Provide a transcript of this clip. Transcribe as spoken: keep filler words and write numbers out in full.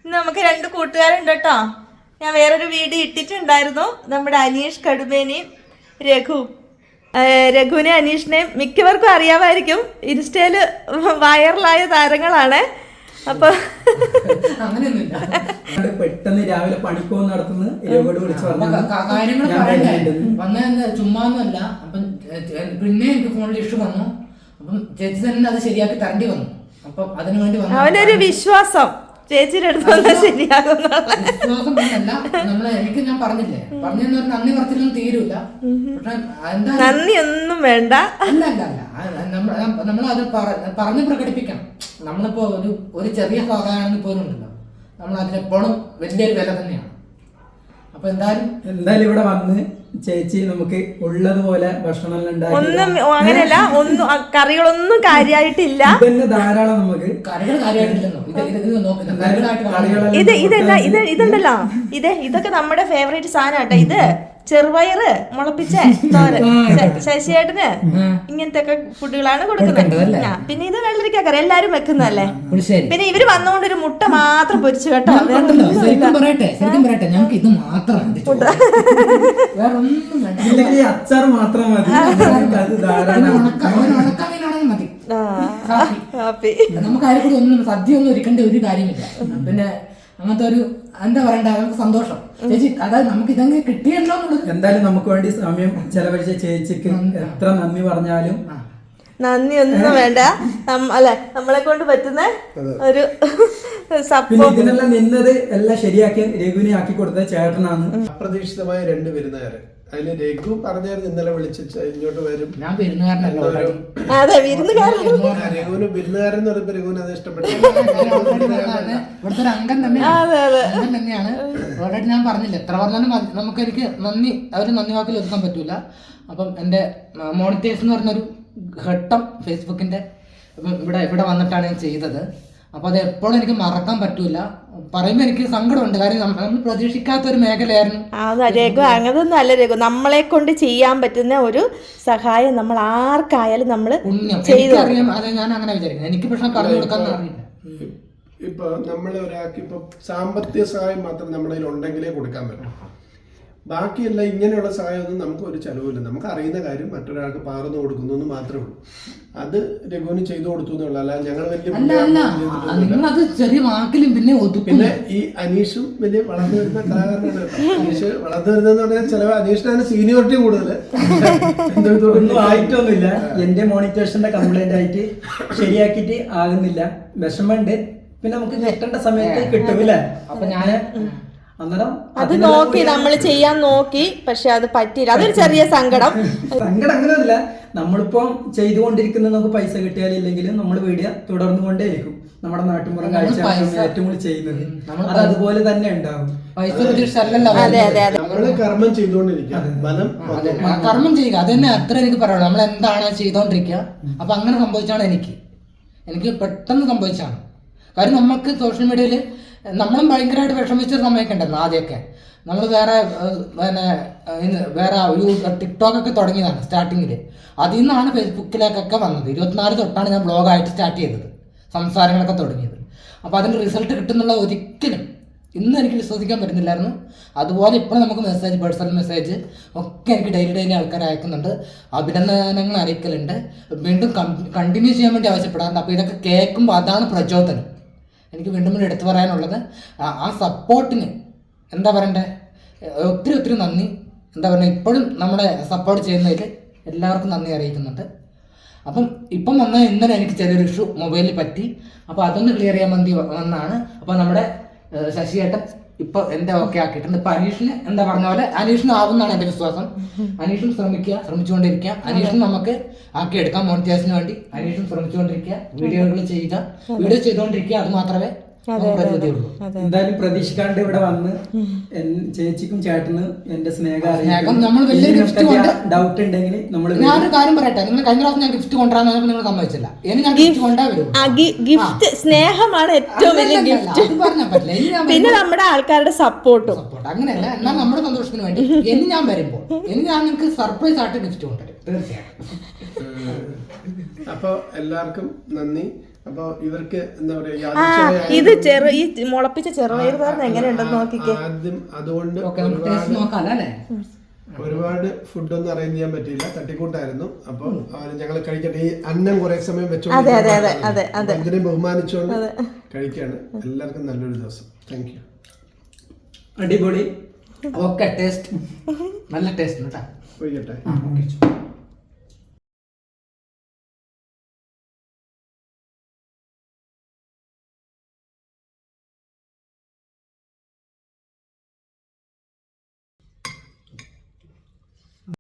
ഇന്ന് നമുക്ക് രണ്ട് കൂട്ടുകാരുണ്ട് കേട്ടോ. ഞാൻ വേറൊരു വീഡിയോ ഇട്ടിട്ടുണ്ടായിരുന്നു. നമ്മുടെ അനീഷ് കടുമേനി, രഘു. രഘുവിനെ അനീഷിനെയും മിക്കവർക്കും അറിയാമായിരിക്കും. ഇൻസ്റ്റയില് വൈറലായ താരങ്ങളാണ്. അപ്പൊ പെട്ടെന്ന് രാവിലെ പണിക്കോ നടത്തുന്ന കാര്യങ്ങൾ വന്ന ചുമ്മാന്നല്ല. അപ്പം പിന്നെ എനിക്ക് ഫോണിൽ ഇഷ്യൂ വന്നു. അപ്പം ചേച്ചി തന്നെ അത് ശരിയാക്കി തരേണ്ടി വന്നു. അപ്പം അതിനു വേണ്ടി അവനൊരു വിശ്വാസം ചേച്ചിയുടെ അടുത്ത് ശരിയാകും. വിശ്വാസം അല്ല നമ്മളെ എനിക്ക് ഞാൻ പറഞ്ഞില്ലേ പറഞ്ഞെന്ന് പറഞ്ഞാൽ നന്ദി പറച്ചിലൊന്നും തീരൂല. പക്ഷെ എന്താ നന്ദി ഒന്നും വേണ്ട. അല്ല അല്ല അല്ല നമ്മൾ അത് പറഞ്ഞ് പ്രകടിപ്പിക്കണം. നമ്മളിപ്പോ ഒരു ഒരു ചെറിയ സഹായമാണെങ്കിൽ പോലും ഉണ്ടല്ലോ, നമ്മൾ അതിനെപ്പോഴും വലിയൊരു വില തന്നെയാണ്. അപ്പൊ എന്തായാലും എന്തായാലും ഇവിടെ വന്ന് ചേച്ചി നമുക്ക് ഉള്ളതുപോലെ ഭക്ഷണം ഒന്നും അങ്ങനെയല്ല, ഒന്നും കറികളൊന്നും കാര്യമായിട്ടില്ല. ധാരാളം നമുക്ക് കറികൾ കാര്യമായിട്ടില്ലെന്നോ ഇത് ഇതെല്ലാം ഇത് ഇതുണ്ടല്ലോ, ഇത് ഇതൊക്കെ നമ്മുടെ ഫേവറേറ്റ് സാധനം. ഇത് ചെറുപയറ് മുളപ്പിച്ച തോരൻ ശശിയേട്ടന് ഇങ്ങനത്തെ ഒക്കെ ഫുഡുകളാണ് കൊടുക്കുന്നത്. പിന്നെ ഇത് വെള്ളരിക്കക്കറി എല്ലാരും വെക്കുന്നതല്ലേ. പിന്നെ ഇവര് വന്നുകൊണ്ട് ഒരു മുട്ട മാത്രം പൊരിച്ചു കേട്ടോ. പറയട്ടെ ശരിക്കും പറയട്ടെ ഞങ്ങൾക്ക് ഇത് മാത്രം അച്ചാർ മാത്രം മതി. മതി നമുക്ക് ആരും കൂടി ഒന്നും സദ്യ ഒന്നും ഒരുക്കേണ്ട ഒരു കാര്യമില്ല. പിന്നെ അങ്ങനത്തെ ഒരു എന്താ പറയണ്ട നമുക്ക് സന്തോഷം ചേച്ചി. അതായത് നമുക്ക് ഇതങ്ങനെ കിട്ടിയല്ലോ എന്നുള്ളത്. എന്തായാലും നമുക്ക് വേണ്ടി സമയം ചെലവഴിച്ച ചേച്ചിക്ക് എത്ര നന്ദി പറഞ്ഞാലും നന്ദി ഒന്നും വേണ്ട. അല്ലെ നമ്മളെ കൊണ്ട് പറ്റുന്ന ഒരു പിന്നെ ഇതിനെല്ലാം നിന്നത് എല്ലാം ശരിയാക്കി രഘുവിനെ ആക്കി കൊടുത്ത ചേട്ടനാണ്. അപ്രതീക്ഷിതമായ രണ്ട് വിരുന്നുകാര്. അതില് രഘു പറഞ്ഞായിരുന്നു ഇന്നലെ വിളിച്ച് ഇങ്ങോട്ട് വരും. ഞാൻ വിരുന്നുകാരനല്ല. അതെ വിരുന്നുകാരൻ. രഘുവിന് വിരുന്നുകാരൻ എന്ന് പറയുമ്പോ രഘുവിന് അത് ഇഷ്ടപ്പെട്ടു. ഇവിടുത്തെ ഒരു അംഗം തന്നെയാണ് അംഗം തന്നെയാണ് ഓൾറെഡി ഞാൻ പറഞ്ഞില്ല. എത്ര പറഞ്ഞാലും നമുക്ക് എനിക്ക് നന്ദി അവര് നന്ദി വാക്കിൽ ഒതുക്കാൻ പറ്റൂല. അപ്പം എന്റെ മോണിറ്റൈസ് എന്ന് പറഞ്ഞൊരു ഘട്ടം ഫേസ്ബുക്കിന്റെ ഇവിടെ ഇവിടെ വന്നിട്ടാണ് ഞാൻ ചെയ്തത്. അപ്പൊ അത് എപ്പോഴും എനിക്ക് മറക്കാൻ പറ്റൂല. പറയുമ്പോ എനിക്ക് സങ്കടമുണ്ട്. കാര്യം നമ്മൾ പ്രതീക്ഷിക്കാത്ത ഒരു മേഖലയായിരുന്നു. രഘു അങ്ങനൊന്നും അല്ല രഘു, നമ്മളെ കൊണ്ട് ചെയ്യാൻ പറ്റുന്ന ഒരു സഹായം നമ്മൾ ആർക്കായാലും നമ്മള് ചെയ്തു അറിയാം. അതെ ഞാൻ അങ്ങനെ വിചാരിക്കുന്നത്. എനിക്ക് പക്ഷെ പറഞ്ഞു കൊടുക്കാൻ അറിയില്ല. ഇപ്പൊ നമ്മളെ ഒരാൾക്ക് ഇപ്പൊ സാമ്പത്തിക സഹായം മാത്രം നമ്മുടെ കയ്യിൽ ഉണ്ടെങ്കിലേ കൊടുക്കാൻ പറ്റും. ബാക്കിയല്ല ഇങ്ങനെയുള്ള സഹായമൊന്നും നമുക്ക് ഒരു ചെലവില്ല. നമുക്ക് അറിയുന്ന കാര്യം മറ്റൊരാൾക്ക് പകർന്നു കൊടുക്കുന്നു എന്ന് മാത്രമേ ഉള്ളൂ. അത് രഘുവിന് ചെയ്തു കൊടുത്തു എന്നുള്ള അല്ല ഞങ്ങൾ വലിയ ചെറിയ വാക്കിലും പിന്നെ പിന്നെ ഈ അനീഷും വലിയ വളർന്നു വരുന്ന കലാകാരനാണ് കേട്ടോ. അനീഷ് വളർന്നു വരുന്നതെന്ന് പറഞ്ഞാൽ ചില അനീഷിനാണ് സീനിയോറിറ്റി കൂടുതൽ. ഒന്നും ആയിട്ടൊന്നുമില്ല. എന്റെ മോണിറ്റേഷന്റെ കംപ്ലൈന്റ് ആയിട്ട് ശരിയാക്കിയിട്ട് ആകുന്നില്ല. വിഷമമുണ്ട്. പിന്നെ നമുക്ക് കിട്ടേണ്ട സമയത്ത് കിട്ടുമില്ല. അപ്പൊ ഞാന് അത് നോക്കി നമ്മൾ ചെയ്യാൻ നോക്കി, പക്ഷെ അത് പറ്റിയില്ല. അതൊരു ചെറിയ സങ്കടം. സങ്കടം അങ്ങനെയല്ല, നമ്മളിപ്പോ ചെയ്തുകൊണ്ടിരിക്കുന്ന നമുക്ക് പൈസ കിട്ടിയാലില്ലെങ്കിലും നമ്മൾ വീഡിയോ തുടർന്നു കൊണ്ടേയിരിക്കും. നമ്മുടെ നാട്ടുമ്പുറം കാഴ്ച ഏറ്റവും കൂടുതൽ ചെയ്യുന്നത് അത് അതുപോലെ തന്നെ ഉണ്ടാവും. നമ്മള് കർമ്മം ചെയ്തുകൊണ്ടിരിക്കുക. കർമ്മം ചെയ്യുക അത് തന്നെ അത്ര എനിക്ക് പറയുള്ളൂ. നമ്മൾ എന്താണ് ചെയ്തോണ്ടിരിക്കുക. അപ്പൊ അങ്ങനെ സംഭവിച്ചാണ് എനിക്ക് എനിക്ക് പെട്ടെന്ന് സംഭവിച്ചാണ്. കാര്യം നമുക്ക് സോഷ്യൽ മീഡിയയിൽ നമ്മളും ഭയങ്കരമായിട്ട് വിഷമിച്ചൊരു സമയമൊക്കെ ഉണ്ടായിരുന്നു. ആദ്യമൊക്കെ നമ്മൾ വേറെ പിന്നെ വേറെ ടിക്ടോക്കൊക്കെ തുടങ്ങിയതാണ് സ്റ്റാർട്ടിങ്ങിൽ. അതിൽ നിന്നാണ് ഫേസ്ബുക്കിലേക്കൊക്കെ വന്നത്. ഇരുപത്തിനാല് തൊട്ടാണ് ഞാൻ ബ്ലോഗായിട്ട് സ്റ്റാർട്ട് ചെയ്തത്, സംസാരങ്ങളൊക്കെ തുടങ്ങിയത്. അപ്പോൾ അതിൻ്റെ റിസൾട്ട് കിട്ടുന്നുള്ള ഒരിക്കലും ഇന്ന് എനിക്ക് വിശ്വസിക്കാൻ പറ്റുന്നില്ലായിരുന്നു. അതുപോലെ ഇപ്പോൾ നമുക്ക് മെസ്സേജ്, പേഴ്സണൽ മെസ്സേജ് ഒക്കെ എനിക്ക് ഡെയിലി ഡെയിലി ആൾക്കാർ അയക്കുന്നുണ്ട്. അഭിനന്ദനങ്ങൾ അറിയിക്കലുണ്ട്. വീണ്ടും കണ്ടിന്യൂ ചെയ്യാൻ വേണ്ടി ആവശ്യപ്പെടാറുണ്ട്. അപ്പോൾ ഇതൊക്കെ കേൾക്കുമ്പോൾ അതാണ് പ്രചോദനം. എനിക്ക് വീണ്ടും വീണ്ടും എടുത്തു പറയാനുള്ളത് ആ സപ്പോർട്ടിന് എന്താ പറയണ്ടേ, ഒത്തിരി ഒത്തിരി നന്ദി. എന്താ പറയുക, ഇപ്പോഴും നമ്മളെ സപ്പോർട്ട് ചെയ്യുന്നതിൽ എല്ലാവർക്കും നന്ദി അറിയിക്കുന്നുണ്ട്. അപ്പം ഇപ്പം വന്ന ഇന്നലെ എനിക്ക് ചെറിയൊരു ഇഷ്യൂ മൊബൈലിൽ പറ്റി. അപ്പോൾ അതൊന്ന് ക്ലിയർ ചെയ്യാൻ വേണ്ടി വന്നാണ്. അപ്പോൾ നമ്മുടെ ശശിയേട്ടൻ ഇപ്പൊ എന്റെ ഓക്കെ ആക്കിയിട്ടുണ്ട്. ഇപ്പൊ അനീഷിന് എന്താ പറഞ്ഞ പോലെ അനീഷിന് ആവുന്നതാണ് എന്റെ വിശ്വാസം. അനീഷും ശ്രമിക്കുക, ശ്രമിച്ചുകൊണ്ടിരിക്കുക. അനീഷിന് നമുക്ക് ആക്കിയെടുക്കാം. മോണിറ്റൈസിന് വേണ്ടി അനീഷും ശ്രമിച്ചുകൊണ്ടിരിക്കുക, വീഡിയോകൾ ചെയ്യുക, വീഡിയോ ചെയ്തുകൊണ്ടിരിക്കുക. അത് മാത്രമേ എന്തായാലും പ്രതീക്ഷിക്കാണ്ട് ഇവിടെ വന്ന് ചേച്ചിക്കും ചേട്ടനും എന്റെ സ്നേഹം നമ്മൾ വലിയ ഗിഫ്റ്റ് ഡൗട്ട് ഉണ്ടെങ്കിൽ നമ്മൾ ഞാനൊരു കാര്യം പറയട്ടെ. നിങ്ങൾ കഴിഞ്ഞ പ്രാവശ്യം ഞാൻ ഗിഫ്റ്റ് കൊണ്ടുവരാൻ നിങ്ങൾ സമ്മതിച്ചില്ല. ഇനി ഞാൻ ഗിഫ്റ്റ് കൊണ്ടുവരും. ഗിഫ്റ്റ് സ്നേഹമാണ് ഏറ്റവും വലിയ ഗിഫ്റ്റ്. പറഞ്ഞാൽ പറ്റില്ല. പിന്നെ നമ്മുടെ ആൾക്കാരുടെ സപ്പോർട്ടും സപ്പോർട്ട് അങ്ങനെയല്ല. എന്നാൽ നമ്മുടെ സന്തോഷത്തിന് വേണ്ടി ഇനി ഞാൻ വരുമ്പോൾ ഇനി ഞാൻ നിങ്ങൾക്ക് സർപ്രൈസ് ആയിട്ട് ഗിഫ്റ്റ് കൊണ്ടുവരും തീർച്ചയായിട്ടും. അപ്പൊ എല്ലാവർക്കും നന്ദി. അപ്പൊ ഇവർക്ക് എന്താ പറയാ ആ യാദൃച്ഛികമായി ഇത് ചെറു ഈ മുളപ്പിച്ച ചെറുപയർ തോരൻ എങ്ങനെയുണ്ടെന്ന് നോക്കിക്കേ. ആദ്യം അതുകൊണ്ട് ടേസ്റ്റ് ഒരുപാട് നോക്കാം അല്ലേ? ഒരുപാട് ഫുഡൊന്നും അറേഞ്ച് ചെയ്യാൻ പറ്റിയില്ല, തട്ടിക്കൂട്ടായിരുന്നു. അപ്പൊ ഞങ്ങൾ കഴിക്കട്ടെ. ഈ അന്നം കുറെ സമയം വെച്ചോണ്ട് ഇതിനെ ബഹുമാനിച്ചുകൊണ്ട് കഴിക്കാണ്. എല്ലാവർക്കും നല്ലൊരു ദിവസം. Thank you. അടിപൊളി. ഓക്കെ, ടേസ്റ്റ് നല്ല ടേസ്റ്റ് കേട്ടാ. പോയിക്കട്ടെ. ആ ഓക്കെ.